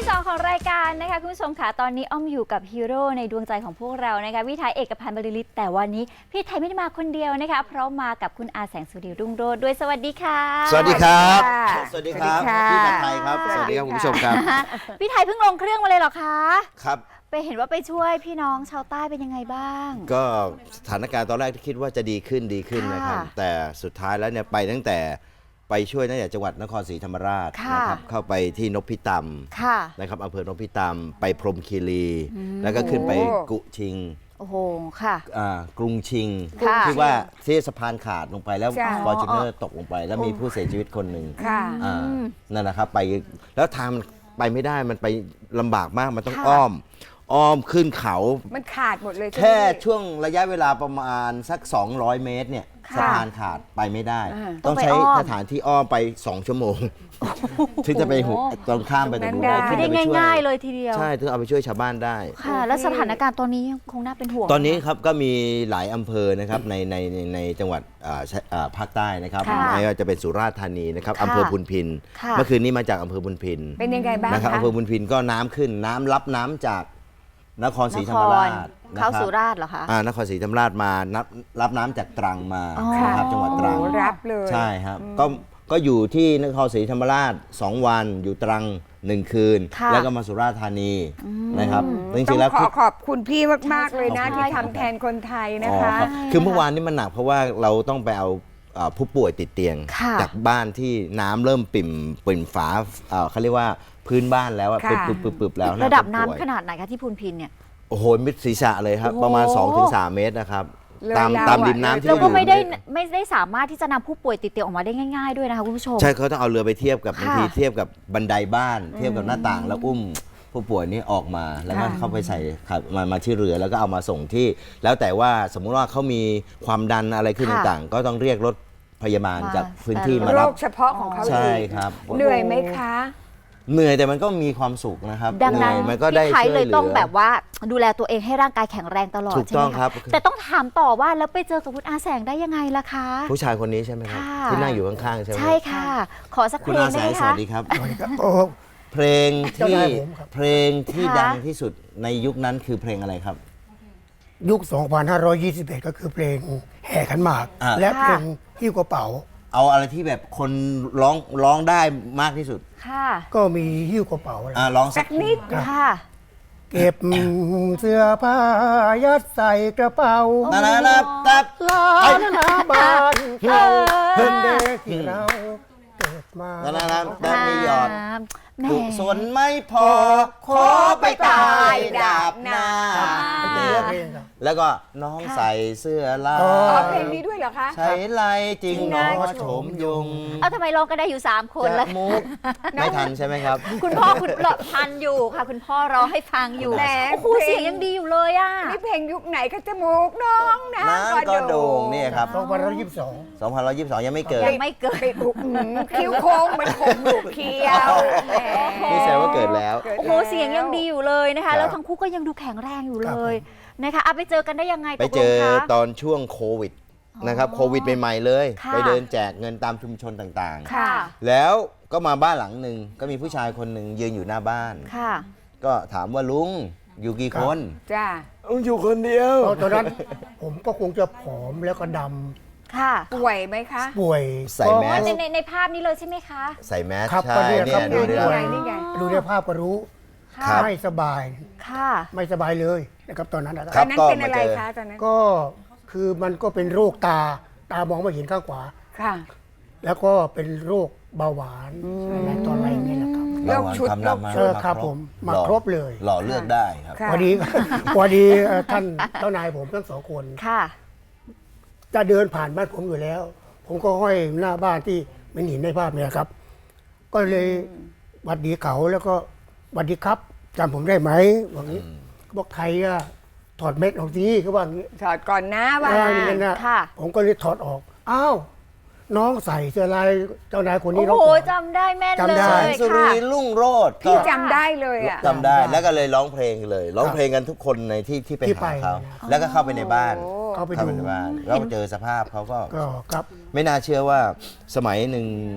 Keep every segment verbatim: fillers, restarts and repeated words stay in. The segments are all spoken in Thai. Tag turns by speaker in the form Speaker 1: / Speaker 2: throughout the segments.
Speaker 1: สองของรายการนะคะคุณผู้ชมค่ะตอนนี้อ้อมอยู่กับฮีโร่ในดวงใจของพวกเรานะคะพี่ไทยเอกพันธ์บริลิตแต่วันนี้พี่ไทยไม่ได้มาคนเดียวนะคะเพราะมากับคุณอาแสงสุรีรุ่งโรจน์ด้วยสวัสดีค่ะ
Speaker 2: สวัสดีครับสวัสดีครับพี่ไทยครับสวัสดีครับคุณผู้ชมครับ
Speaker 1: พี่ไทยเพิ่งลงเครื่องมาเลยเหรอคะ
Speaker 2: ครับ
Speaker 1: ไปเห็นว่าไปช่วยพี่น้องชาวใต้เป็นยังไงบ้าง
Speaker 2: ก็สถานการณ์ตอนแรกที่คิดว่าจะดีขึ้นดีขึ้นนะครับแต่สุดท้ายแล้วเนี่ยไปตั้งแต่ไปช่วยตั้งแต่จังหวัดนครศรีธรรมราชนะครับเข้าไปที่นพิตำนะครับอำเภอนพิตำไปพรหมคีรีแล้วก็ขึ้นไปกุชิง
Speaker 1: โอ้โหค่ะ
Speaker 2: กรุงชิงที่ว่าที่สะพานขาดลงไปแล้วฟอร์จูเนอร์ตกลงไปแล้วมีผู้เสียชีวิตคนหนึ่งนั่นนะครับไปแล้วทางไปไม่ได้มันไปลำบากมากมันต้องอ้อมอ้อมขึ้นเขา
Speaker 3: มันขาดหมดเลย
Speaker 2: แค่ช่วงระยะเวลาประมาณสักสองร้อยเมตรเนี่ยสะพานขาดไปไม่ได้ต้องใช้สถานที่อ้อมไปสองชั่วโมงถึงจะไปหุบตรงข้ามไปตรงนู้นได้
Speaker 1: ไม่ได้ง่ายๆเลยทีเดียว
Speaker 2: ใช่ถึงเอาไปช่วยชาวบ้านได้
Speaker 1: ค่ะแล้วสถานการณ์ตอนนี้คงน่าเป็นห่วง
Speaker 2: ตอนนี้ครับก็มีหลายอำเภอนะครับในในในจังหวัดภาคใต้นะครับไม่ว่าจะเป็นสุราษฎร์ธานีนะครับอำเภอพุนพินเมื่อคืนนี้มาจากอำเภอพุนพิน
Speaker 3: เป็นยังไงบ้าง
Speaker 2: นะครับอำเภอพุนพินก็น้ำขึ้นน้ำรับน้ำจากนครศรีธรรมราช
Speaker 1: เข้าสุราษฎร์เหรอคะ
Speaker 2: อ่านครศรีธรรมราชมานับรับน้ำจากตรังมานะครับจังหวัดตรัง
Speaker 3: รับเลย
Speaker 2: ใช่ครับก็ก็อยู่ที่นครศรีธรรมราชสองวันอยู่ตรังหนึ่งคืนแล้วก็มาสุราษฎร์ธานีนะครับ
Speaker 3: จริงๆแล้วขอขอบคุณพี่มากๆเลยนะที่ทำแทนคนไทยนะคะ
Speaker 2: คือเมื่อวานนี้มันหนักเพราะว่าเราต้องไปเอาผู้ป่วยติดเตียงจากบ้านที่น้ำเริ่มปิ่มปิ่มฝาเขาเรียกว่าพื้นบ้านแล้วปึบปึบปึบปึบแล้ว
Speaker 1: ระดับน้ำขนาดไหนคะที่พูนพินเนี่ย
Speaker 2: โอ้โหมิดศีรษะเลยครับประมาณ สองถึงสาม เมตรนะครับตามตามดินน้ำที่
Speaker 1: เราก็ไม่ได้ไม่ได้สามารถที่จะนำผู้ป่วยติดเตียงออกมาได้ง่ายๆด้วยนะคะคุณผู้ชม
Speaker 2: ใช่เขาต้องเอาเรือไปเทียบกับบางทีเทียบกับบันไดบ้านเทียบกับหน้าต่างแล้วอุ้มผู้ป่วยนี้ออกมาแล้วก็เข้าไปใส่มามาที่เรือแล้วก็เอามาส่งที่แล้วแต่ว่าสมมุติว่าเขามีความดันอะไรขึ้นต่างๆก็ต้องเรียกรถพยาบาลจากพื้นที่มารับ
Speaker 3: โรคเฉพาะของเขา
Speaker 2: ใช่ครับ
Speaker 3: เหนื่อยไหมคะ
Speaker 2: เหนื่อยแต่มันก็มีความสุขนะครับ
Speaker 1: ดังนั้น
Speaker 2: มันก็ได้
Speaker 1: ช่วยเหลือเลยต้องแบบว่าดูแลตัวเองให้ร่างกายแข็งแรงตลอด
Speaker 2: ถูกต้องครับ
Speaker 1: แต่ต้องถามต่อว่าแล้วไปเจอกับคุณอาแสงได้ยังไงล่ะคะ
Speaker 2: ผู้ชายคนนี้ใช่ไหมครับที่นั่งอยู่ข้างๆใช่ไหม
Speaker 1: ใช่ค่ะขอสักเพลงได้ไหมคะ
Speaker 2: สวัสดีครับเพลงที่เพลงที่ดังที่สุดในยุคนั้นคือเพลงอะไรครับ
Speaker 4: ยุค สองพันห้าร้อยยี่สิบเอ็ด ก็คือเพลงแห่ขันหมากและเพลงหิ้วกระเป๋า
Speaker 2: เอาอะไรที่แบบคนร้องร้องได้มากที่สุด
Speaker 1: ค่ะ
Speaker 4: ก็มีหิ้วกระเป๋า
Speaker 2: อ่าร้องสัก
Speaker 3: นิด
Speaker 1: ค่ะ
Speaker 4: เก็บเสื้อผ้ายัดใส่กระเป๋า
Speaker 2: นานานาตับ
Speaker 4: ลาหน้าบ้านเราเพิ่งเด็กที่เราเกิดมา
Speaker 2: นานานาตับมีหยอดกุศลไม่พอขอไปตายดาบหน้าแล้วก็น้องใส่เสื้อลาย
Speaker 3: อ๋อเพลงนี้ด้วยเหรอคะ
Speaker 2: ใช้ลายจริงน้องโฉมยง
Speaker 1: เอาทำไมร้องกันได้อยู่สามคนล่ะ
Speaker 2: มุกไม่ทันใช่ไหมครับ
Speaker 1: คุณพ่อคุณหลอดทันอยู่ค่ะคุณพ่อร้องให้ฟังอยู่โอ้โหเสียงยังดีอยู่เลยอ่ะ
Speaker 3: นี่เพลงยุคไหนก็จมูกน้องนะ
Speaker 2: ก็โด่งนี่ครับ
Speaker 4: สองพันร้อยยี่สิบสอง
Speaker 2: สองพันร้อยยี่สิบสองยังไม่เกิด
Speaker 1: ยังไม่เกิด
Speaker 3: คิ้วโค้งเหมือนผมลูกเคี้ยว
Speaker 2: นี่แสดงว่าเกิดแล้ว
Speaker 1: โอ้โหเสียงยังดีอยู่เลยนะคะแล้วทั้งคู่ก็ยังดูแข็งแรงอยู่เลยนะคะเอาไปเจอกันได้ยังไง
Speaker 2: ไปเจอตอนช่วงโควิดนะครับโควิดใหม่ๆเลยไปเดินแจกเงินตามชุมชนต่างๆแล้วก็มาบ้านหลังหนึ่งก็มีผู้ชายคนหนึ่งยืนอยู่หน้าบ้านก็ถามว่าลุงอยู่กี่คน
Speaker 3: จ้า
Speaker 2: ลุงอยู่คนเดียว
Speaker 4: ตอนนั้นผมก็คงจะผอมแล้วก็ดำ
Speaker 1: ค่ะ
Speaker 3: ป่วยไหมคะ
Speaker 4: ป่วย
Speaker 2: ใส่แมส
Speaker 1: ในในภาพนี้เลยใช่ไหมคะ
Speaker 2: ใส่แมส
Speaker 4: ใช่เนี่ยดูในดูในภาพก็รู้ไม่สบาย
Speaker 1: ค่ะ
Speaker 4: ไม่สบายเลยนะครับตอนนั้น
Speaker 3: ตอนนั้นเป็นอะไรคะตอนนั้น
Speaker 4: ก็คือมันก็เป็นโรคตาตามองไม่เห็นข้างขวา
Speaker 3: ค่ะ
Speaker 4: แล้วก็เป็นโรคเบาหวานอะไรตอนอะไรนี่แหละครับ
Speaker 2: โรคชุดโรค
Speaker 4: เชิญครับผมมาครบเลย
Speaker 2: หล่อเลือกได้ครับ
Speaker 4: พอดีพอดีท่านเจ้านายผมทั้งสองคน
Speaker 1: ค่ะ
Speaker 4: จะเดินผ่านบ้านผมอยู่แล้วผมก็ห้อยหน้าบ้านที่ไม่เห็นในภาพเนี่ยครับก็เลยหวัดดีเขาแล้วก็หวัดดีครับจำผมได้ไหมบอกนี้บอกไทยอะถอดเม็ดออกสิเขาว่าอย่างนี้
Speaker 3: ถอดก่อนนะว่า
Speaker 4: อย่างนั้นนะผมก็เลยถอดออกอ้าวน้องใส่เสื้อลายเจ้านายคนนี้
Speaker 1: โอ้โหจำได้แม่นเลยค่ะ
Speaker 2: สุรีรุ่งโรจน์
Speaker 3: พี่จำได้เลยอ่ะ
Speaker 2: จำได้แล้วก็เลยร้องเพลงเลยร้องเพลงกันทุกคนในที่ที่ไปหาเขาแล้วก็เข้าไปในบ้าน
Speaker 4: เข้าไปใน
Speaker 2: บ้านแล้วเจอสภาพเขาก็
Speaker 4: ครับ
Speaker 2: ไม่น่าเชื่อว่าสมัยหนึ่ง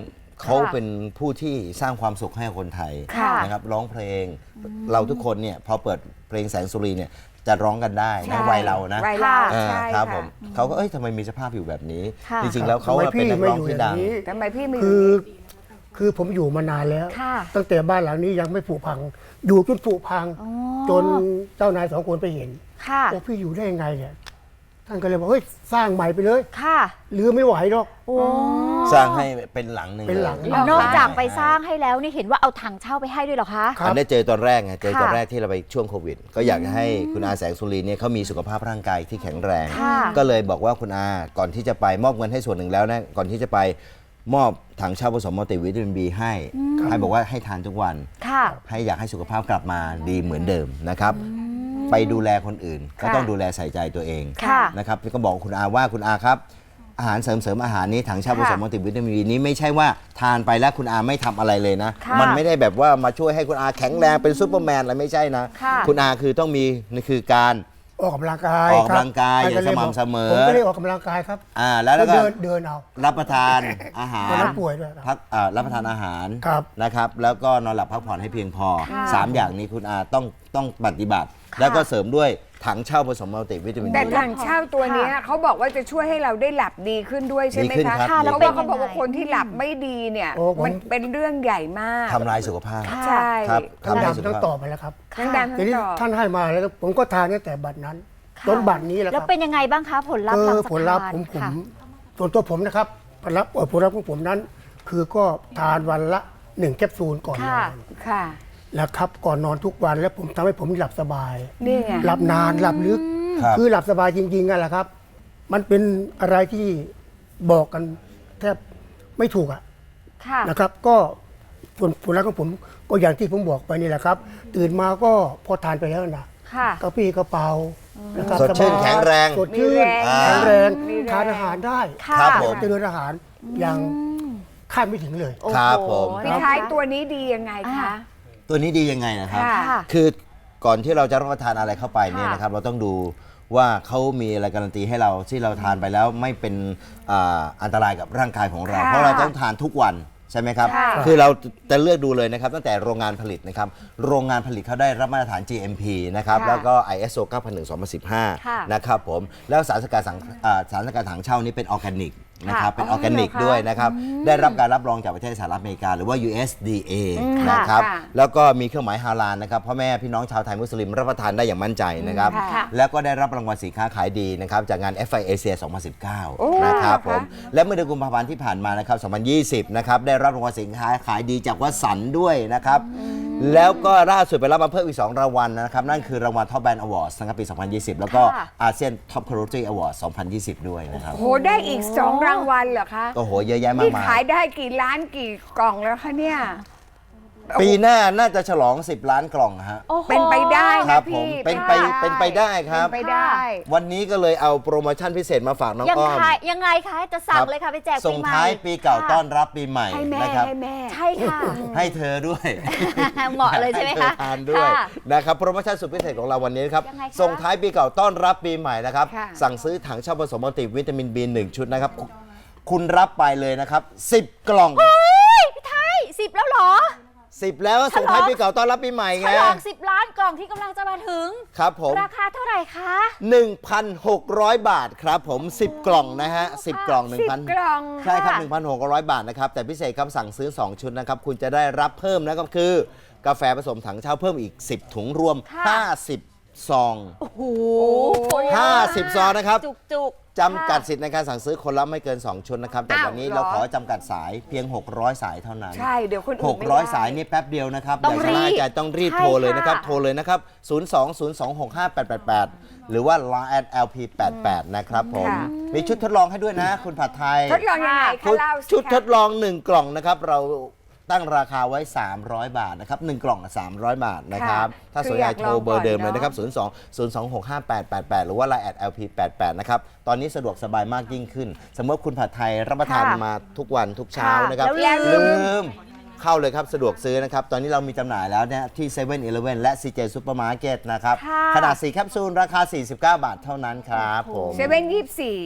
Speaker 2: เขาเป็นผู้ที่สร้างความสุขให้คนไทย
Speaker 1: ค่ะ
Speaker 2: นะครับร้องเพลงเราทุกคนเนี่ยพอเปิดเพลงแสงสุรีเนี่ยจะร้องกันได้นะวัยเรานะ
Speaker 3: วัยเรา
Speaker 2: เออ
Speaker 3: ใช่
Speaker 2: ครับ
Speaker 3: ค่ะ
Speaker 2: ผมเขาก็เอ้ยทำไมมีสภาพอยู่แบบนี้
Speaker 1: ค่ะ
Speaker 2: จริงๆแล้วเขา
Speaker 4: ทำไม
Speaker 2: เป็น
Speaker 4: พี่
Speaker 2: นัก
Speaker 4: ไม่
Speaker 2: ร้อง
Speaker 4: อยู่
Speaker 2: ที่
Speaker 4: อย่า
Speaker 2: ดัง
Speaker 4: งนี้
Speaker 3: ทำไมพี่ไม่
Speaker 4: คือ
Speaker 3: ยู่
Speaker 4: คือผมอยู่มานานแล้ว
Speaker 1: ค่ะ
Speaker 4: ตั้งแต่บ้านหลังนี้ยังไม่ผุพัง อยู่จนผุพัง
Speaker 1: อ๋อ
Speaker 4: จนเจ้านายสองคนไปเห็น
Speaker 1: ค่ะ
Speaker 4: ว่าพี่อยู่ได้ยังไงเนี่ยท่านก็เลยบอกเฮ้ยสร้างใหม่ไปเลย
Speaker 1: ค่ะ
Speaker 4: หรือไม่ไหวหรอก
Speaker 1: โอ้
Speaker 2: สร้างให้เป็นหลังหนึ่ง
Speaker 4: เป็นหลัง
Speaker 2: ย
Speaker 1: นอกจากไปสร้างให้แล้วนี่เห็นว่าเอาถังเช่าไปให้ด้วยเหรอคะ
Speaker 4: ครับ
Speaker 2: อันได้เจอตอนแรกไงเจอ
Speaker 1: ค่ะ
Speaker 2: ตอนแรกที่เราไปช่วงโควิด ก็อยากจะให้คุณอาแสงสุรีเนี่ยเขามีสุขภาพร่างกายที่แข็งแรง
Speaker 1: ค่ะ
Speaker 2: ก็เลยบอกว่าคุณอาก่อนที่จะไปมอบเงินให้ส่วนหนึ่งแล้วนะก่อนที่จะไปมอบถังเช่าผสมมัลติวิตามินบีให้ให้บอกว่าให้ทานทุกวัน
Speaker 1: ค่ะ
Speaker 2: ให้อยากให้สุขภาพกลับมาดีเหมือนเดิมนะครับ ไปดูแลคนอื่น ก็ต้องดูแลใส่ใจตัวเอง
Speaker 1: ค่ะ
Speaker 2: นะครับก็บอกคุณอาว่าคุณอาครับ อาหารเสริมเสริมอาหารนี้ถังเช่าผสมมัลติวิตามินบีนี้ไม่ใช่ว่าทานไปแล้วคุณอาไม่ทำอะไรเลยนะ
Speaker 1: ค่ะ
Speaker 2: มันไม่ได้แบบว่ามาช่วยให้คุณอาแข็งแรงเป็นซูเปอร์แมนอะไรไม่ใช่นะ
Speaker 1: ค่ะ
Speaker 2: คุณอาคือต้องมีนี่คือการ
Speaker 4: ออกกำลังกาย
Speaker 2: ออกกำลังกาย
Speaker 4: ครับ
Speaker 2: อย่างสม่ำเสมอ
Speaker 4: ผมก็เลยออกกำลังกายครับ
Speaker 2: อ่าแล้วแล้วก็
Speaker 4: เดินเดินเอา
Speaker 2: รับประทานอาหาร
Speaker 4: ตอนนั้นป่วยด้วยครับ
Speaker 2: พักอ่ารับประทานอาหาร
Speaker 4: ครับ
Speaker 2: นะครับ แล้วก็นอนหลับพักผ่อนให้เพียงพอ
Speaker 1: ค่ะ
Speaker 2: สามอย่างนี้คุณอาต้องต้องปฏิบัติ แล้วก็เสริมด้วยถังเช่าผสมมัลติวิตามิน
Speaker 3: แต่
Speaker 2: บี
Speaker 3: ถังเช่าตัวเนี้ยเขาบอกว่าจะช่วยให้เราได้หลับดีขึ้นด้วยใช่ไหม
Speaker 2: ดีขึ้น
Speaker 3: คะ
Speaker 2: ครับ
Speaker 1: ค่ะแล้ว
Speaker 3: เพราะ
Speaker 1: เป็น
Speaker 3: ว่าเขาบอกว่า
Speaker 1: ยังไง
Speaker 3: คนที่หลับไม่ดีเนี่ย
Speaker 4: โอ้ผม
Speaker 3: มันเป็นเรื่องใหญ่มาก
Speaker 2: ทำลายสุขภาพ
Speaker 1: ค่ะ
Speaker 3: ใช่
Speaker 2: ครับ
Speaker 4: ทั้ง
Speaker 2: ทำลายสุ
Speaker 4: ดำ
Speaker 2: ข
Speaker 4: ทั้ง
Speaker 2: ภาพ
Speaker 4: ต่อไปแล้วครับ
Speaker 3: ทั้งดำ
Speaker 4: ที
Speaker 3: ทั้ง
Speaker 4: นี้
Speaker 3: ต่อ
Speaker 4: ท่านให้มาแล้วผมก็ทานตั้งแต่บัดนั้น
Speaker 1: ค่ะ
Speaker 4: จนบัดนี้แหละค
Speaker 1: แล้ว
Speaker 4: รับ
Speaker 1: เป็นยังไงบ้างคะผลลัพธ์หลังจาก
Speaker 4: ผลลัพธ์
Speaker 1: ทาน
Speaker 4: ผมผม
Speaker 1: ค่ะ
Speaker 4: ส่วนตัวผมนะครับผลลัพธ์เอ่อผลลัพธ์ของผมนั้น คือก็ทานวันละหนึ่งแคปซูลก่อนน
Speaker 1: ค่ะ
Speaker 4: อน
Speaker 3: ค่ะ
Speaker 4: แล้วครับก่อนนอนทุกวันแล้วผมทำให้ผมหลับสบาย
Speaker 3: นี่ไง
Speaker 4: หลับนานหลับลึก
Speaker 2: ครับ
Speaker 4: คือหลับสบายจริงๆกันแหละครับ มันเป็นอะไรที่บอกกันแทบไม่ถูกอะ
Speaker 1: ค่ะ
Speaker 4: นะครับ ก็ผลผลลัพธ์ของผมก็อย่างที่ผมบอกไปนี่แหละครับ ตื่นมาก็พอทานไปแล้วนะ
Speaker 1: ค่ะ
Speaker 4: กระปรี้กระเป๋านะครับ
Speaker 2: สดชื่น
Speaker 4: บาย
Speaker 2: แข็งแรง
Speaker 4: สดชื่น
Speaker 3: มีแรง
Speaker 4: แข็งแรง
Speaker 3: มีแรง
Speaker 4: ทานอาหารได้
Speaker 1: ค่ะ
Speaker 2: ครับผม
Speaker 4: เจริญอาหารอย่างคาดไม่ถึงเลย
Speaker 1: โอ้โห
Speaker 2: ครับผม
Speaker 3: พี่ท้ายตัวนี้ดียังไงคะ
Speaker 2: ตัวนี้ดียังไงนะครับ
Speaker 3: ค่ะ
Speaker 1: ค่ะ
Speaker 2: คือก่อนที่เราจะรับประทานอะไรเข้าไปเนี่ย
Speaker 1: ค่ะ
Speaker 2: นะครับ เราต้องดูว่าเขามีอะไรการันตีให้เราที่เราทานไปแล้วไม่เป็นอ่าอันตรายกับร่างกายของเรา
Speaker 3: ค่ะ
Speaker 2: เพราะเราต้องทานทุกวันใช่ไหมครับ
Speaker 3: ค่ะ
Speaker 2: คือเราจะเลือกดูเลยนะครับตั้งแต่โรงงานผลิตนะครับโรงงานผลิตเขาได้รับมาตรฐาน จี เอ็ม พี นะครับ
Speaker 3: ค่ะ
Speaker 2: แล้วก็ ไอ เอส โอ เก้าพันหนึ่ง สองพันสิบห้า
Speaker 1: ค่ะ
Speaker 2: นะครับผมแล้วสารสกัดสังอ่าสารสกัดถังเช่านี้เป็นออร์แกนิกนะครับเป็นออร์แกนิกด้วยนะครับได้รับการรับรองจากประเทศสหรัฐอเมริกาหรือว่า ยู เอส ดี เอ นะครับ
Speaker 3: ค่ะ
Speaker 2: แล้วก็มีเครื่องหมายฮาลาลนะครับพ่อแม่พี่น้องชาวไทยมุสลิมรับประทานได้อย่างมั่นใจนะครับ
Speaker 3: ค่ะ
Speaker 2: แล้วก็ได้รับรางวัลสินค้าขายดีนะครับจากงาน เอฟ ไอ Asia สองพันสิบเก้า
Speaker 3: โอ้
Speaker 2: นะครับ
Speaker 3: ค่ะ
Speaker 2: ผมและเมื่อเดือนกุมภาพันธ์ที่ผ่านมานะครับสองพันยี่สิบนะครับได้รับรางวัลสินค้าขายดีจากวัสันต์ด้วยนะครับแล้วก็ล่าสุดไปรับมาเพิ่มอีกสองรางวัลนะครับนั่นคือรางวัล Top Brand Awards นะครับปี สองพันยี่สิบ แล้วก็
Speaker 1: ค่ะ
Speaker 2: อาเซียน Top Quality Awards สองพันยี่สิบ ด้วยนะครับ
Speaker 3: โหได้อีกสองรางวัลเหรอคะ
Speaker 2: โอ้โหเยอะแยะมาก
Speaker 3: นี่
Speaker 2: มาย
Speaker 3: ขายได้กี่ล้านกี่กล่องแล้วคะเนี่ย
Speaker 2: ปีหน้าน่าจะฉลอง สิบ ล้านกล่องฮะ
Speaker 1: โอ้โห
Speaker 3: เป็นไปได้
Speaker 2: ครั
Speaker 3: นะ
Speaker 2: บผ
Speaker 3: พี่
Speaker 2: มเป็นไปเป็นไปได้ครับ
Speaker 3: เป็นไปได้
Speaker 2: วันนี้ก็เลยเอาโปรโมชั่นพิเศษมาฝากน้อง
Speaker 1: ยัง
Speaker 2: อ้อม
Speaker 1: ขายยังไงคะจะสั่ง
Speaker 2: ครับ
Speaker 1: เลยค่ะไปแจกปี
Speaker 2: ส่ง
Speaker 1: ใหม่
Speaker 2: ท้ายปีเก่า
Speaker 1: ค่ะ
Speaker 2: ต้อนรับปีใหม่
Speaker 3: ให้แม่
Speaker 2: นะครับ
Speaker 3: ให้แม่
Speaker 1: ใช่ค่ะ
Speaker 2: ให้เธอด้วย
Speaker 1: เหมาะเลยใช่ไหมคะ
Speaker 2: ห้ธอทานด้วย
Speaker 1: ค่ะ
Speaker 2: นะครับโปรโมชั่นสุดพิเศษของเราวันนี้นะครับ
Speaker 1: ยังไงคะ
Speaker 2: ส่งท้ายปีเก่าต้อนรับปีใหม่นะครับ
Speaker 3: ค่ะ
Speaker 2: สั่งซื้อถังเช่าผสมมัลติวิตามิน บี หนึ่ง ชุดนะครับ คุณรับไปเลยนะครับสิบกล่อง
Speaker 1: เฮ้ยพี่ไทยสิบแล้วเหรอ
Speaker 2: สิบแล้วส่งท้ายปีเก่าต้อนรับปีใหม่
Speaker 1: ฉ
Speaker 2: ไง
Speaker 1: ลองสิบล้านกล่องที่กำลังจะมาถึง
Speaker 2: ครับผม
Speaker 1: ราคาเท่าไหร่คะ
Speaker 2: หนึ่งพันหกร้อย บาทครับผมสิบกล่องนะฮะสิบกล่อง
Speaker 3: สิบ
Speaker 2: 1,000
Speaker 3: กล่อง
Speaker 2: ใช่ครับ
Speaker 1: ค่ะ
Speaker 2: หนึ่งพันหกร้อย บาทนะครับ แต่พิเศษครับสั่งซื้อ สอง ชุดนะครับ คุณจะได้รับเพิ่มนะครับคือกาแฟผสมถังเช่าเพิ่มอีก สิบ ถุงรวม
Speaker 1: ค่ะ
Speaker 2: ห้าสิบ ซอง
Speaker 1: โอ้โห
Speaker 2: ห้าสิบ ซองนะครับ
Speaker 1: จุกจุกๆ
Speaker 2: จำกัดสิทธิ์ในการสั่งซื้อคนละไม่เกิน สอง ชุดนะครับ แต่
Speaker 3: อ้าว
Speaker 2: วันนี้
Speaker 3: เหรอ
Speaker 2: เราขอจำกัดสายเพียง หกร้อย สายเท่านั้น
Speaker 3: ใช่เดี๋ยวคนอื่นไม่ได้
Speaker 2: หกร้อย สายนี่แป๊บเดียวนะครับ
Speaker 1: ต้อง
Speaker 2: ย่าชะล่า
Speaker 1: รีบ
Speaker 2: ใจต้องรีบ
Speaker 1: ใช่
Speaker 2: โทรเลยนะครับ
Speaker 1: ค่ะ
Speaker 2: โทรเลยนะครับ ศูนย์ สอง ศูนย์ สอง หก ห้า แปด แปด แปด หรือว่า ไลน์ แอท แอล พี แปด แปด นะครับผม
Speaker 3: ค่ะ
Speaker 2: มีชุดทดลองให้ด้วยนะ คุณผัดไทย
Speaker 3: ทดลองยังไงคะ
Speaker 2: ชุด
Speaker 3: เล่าสิ
Speaker 2: ชุด
Speaker 3: คะ
Speaker 2: ทดลอง หนึ่ง กล่องนะครับ เราตั้งราคาไว้ สามร้อย บาทนะครับหนึ่งกล่องสามร้อย บาทนะครับ ถ้าสนใจโทรเบอร์เดิมเลยนะครับ ศูนย์ สอง ศูนย์ สอง หก ห้า แปด แปด แปด หรือว่า ไลน์ แอท แอล พี แปด แปด นะครับ ตอนนี้สะดวกสบายมากยิ่งขึ้น สมมติคุณผัดไทยรับประทาน
Speaker 1: ค่ะ
Speaker 2: มาทุกวันทุกเช้า
Speaker 1: ค่ะ
Speaker 2: นะครับ
Speaker 1: แล้วลืม
Speaker 2: ลืม เข้าเลยครับ สะดวกซื้อนะครับ ตอนนี้เรามีจำหน่ายแล้วเนี่ยที่ เซเว่น อีเลฟเว่น และ ซี เจ Supermarket นะครับ
Speaker 1: ค่ะ
Speaker 2: ขนาด สี่ แคปซูล ราคา สี่สิบเก้า บาทเท่านั้นครับผม
Speaker 3: เซเว่นยี่สิบสี่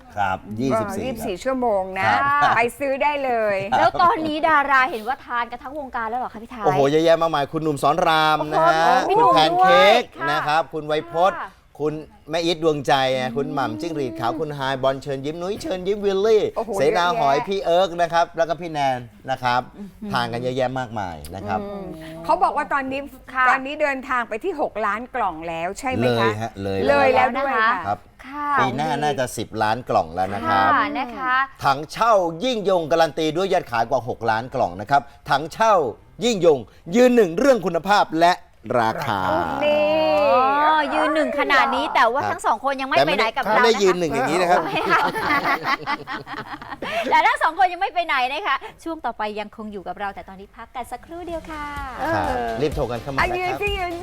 Speaker 2: ครับยี่สิบสี่
Speaker 3: ยี่สิบสี่ชั่วโมงนะ
Speaker 2: ครับ
Speaker 3: ไปซื้อได้เลย
Speaker 1: แล้วตอนนี้ดาราเห็นว่าทานกันทั้งวงการแล้วเหรอคะพี่ไทย
Speaker 2: โอ้โหเยอะแยะมากมายคุณหนุ่มสอนรามนะฮะ
Speaker 1: โอ้โหพี่
Speaker 2: คุณ
Speaker 1: หนุ่ม
Speaker 2: แพนเค้ก
Speaker 1: ด้วยค่ะ
Speaker 2: นะครับคุณไวยพจน์
Speaker 1: ค่ะ
Speaker 2: คุณแม่อีทดวงใจคุณหม่ำจิ้งหรีดขาวคุณไฮายบอลเชิญยิ้มนุ้ยเชิญยิ้มวิลลี่
Speaker 3: โอ้โห
Speaker 2: เสนาหอย
Speaker 3: เยอะแยะ
Speaker 2: พี่เอิร์กนะครับแล้วก็พี่แนนนะครับทานกันเยอะแยะมากมายนะครับ
Speaker 3: เขาบอกว่าตอนนี้
Speaker 1: ค่ะ
Speaker 3: ตอนนี้เดินทางไปที่ หก ล้านกล่องแล้วใช่ไหม
Speaker 2: เล
Speaker 3: คะ
Speaker 2: ยฮะเลย
Speaker 3: เลยแล้ว
Speaker 1: นะ
Speaker 3: ด้วย
Speaker 1: คะ
Speaker 3: ค่ะ
Speaker 2: ครับ
Speaker 1: ค่ะ
Speaker 2: ปีหน้าน่าจะสิบล้านกล่องแล้วนะครับ
Speaker 1: ค่ะนะคะ
Speaker 2: ถังเช่ายิ่งยงการันตีด้วยยอดขายกว่า หก ล้านกล่องนะครับถังเช่ายิ่งยง ยืนหนึ่งเรื่องคุณภาพและราคา
Speaker 3: นี่
Speaker 1: อ๋อยืนหนึ่งขนาดนี้แต่ว่า
Speaker 2: ครับ
Speaker 1: ทั้งสองคนยังไม่
Speaker 2: แต่
Speaker 1: ไป
Speaker 2: ไม่
Speaker 1: ไหน
Speaker 2: ได้
Speaker 1: กับ
Speaker 2: ไม่
Speaker 1: เรา
Speaker 2: ได้
Speaker 1: นะ
Speaker 2: ยืน
Speaker 1: คะ
Speaker 2: หนึ่งอย่างนี้นะครับ
Speaker 1: ไม่เอาแต่ทั้งสองคนยังไม่ไปไหนนะคะช่วงต่อไปยังคงอยู่กับเราแต่ตอนนี้พักกันสักครู่เดียวค่ะ
Speaker 2: ครับรีบโทรกันเข้ามา
Speaker 3: อา
Speaker 2: นะ
Speaker 3: ยื
Speaker 2: คน รับ
Speaker 3: ที่ยืน